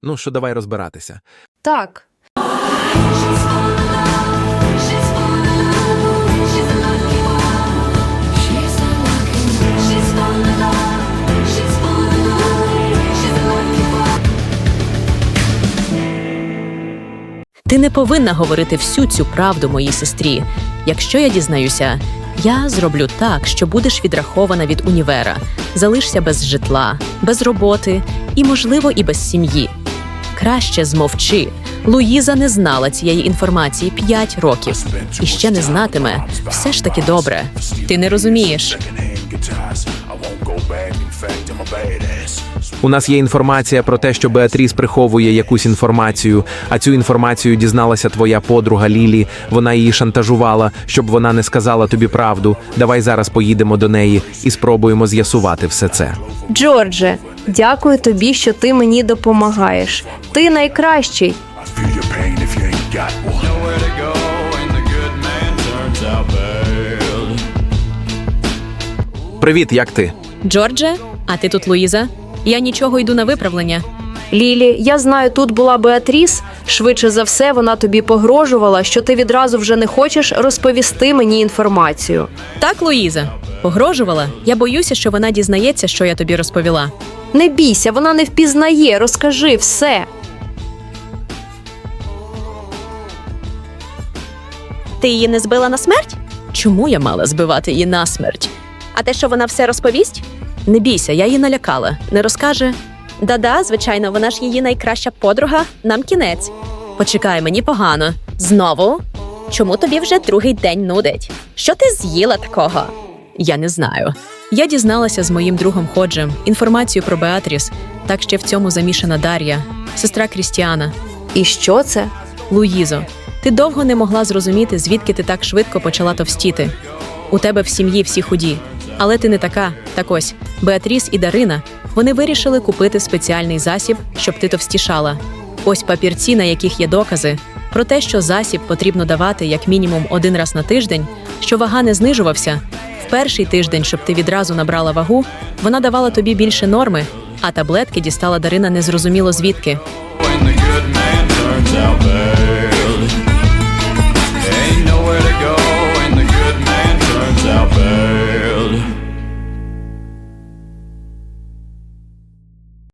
Ну, що давай розбиратися. Так. Ти не повинна говорити всю цю правду моїй сестрі. Якщо я дізнаюся, я зроблю так, що будеш відрахована від універа, залишся без житла, без роботи і, можливо, і без сім'ї. Краще змовчи. Луїза не знала цієї інформації 5 років. І ще не знатиме. Все ж таки добре. Ти не розумієш. У нас є інформація про те, що Беатріс приховує якусь інформацію, а цю інформацію дізналася твоя подруга Лілі. Вона її шантажувала, щоб вона не сказала тобі правду. Давай зараз поїдемо до неї і спробуємо з'ясувати все це. Джордже, дякую тобі, що ти мені допомагаєш. Ти найкращий. Feel your pain if you ain't got one. Nowhere to go and the good man turns out bad. Привіт, як ти? Джордже, а ти тут Луїза? Я нічого, йду на виправлення. Лілі, я знаю, тут була Беатріс. Швидше за все, вона тобі погрожувала, що ти відразу вже не хочеш розповісти мені інформацію. Так, Луїза? Погрожувала? Я боюся, що вона дізнається, що я тобі розповіла. Не бійся, вона не впізнає, розкажи все. Ти її не збила на смерть? Чому я мала збивати її на смерть? А те, що вона все розповість? Не бійся, я її налякала. Не розкаже? Да-да, звичайно, вона ж її найкраща подруга. Нам кінець. Почекай, мені погано. Знову? Чому тобі вже другий день нудить? Що ти з'їла такого? Я не знаю. Я дізналася з моїм другом Ходжем інформацію про Беатріс. Так ще в цьому замішана Дар'я, сестра Крістіана. І що це? Луїзо, ти довго не могла зрозуміти, звідки ти так швидко почала товстіти. У тебе в сім'ї всі худі. Але ти не така. Так ось, Беатріс і Дарина, вони вирішили купити спеціальний засіб, щоб ти товстішала. Ось папірці, на яких є докази про те, що засіб потрібно давати як мінімум 1 раз на тиждень, що вага не знижувався. В перший тиждень, щоб ти відразу набрала вагу, вона давала тобі більше норми, а таблетки дістала Дарина незрозуміло звідки. When the good man turns out bad.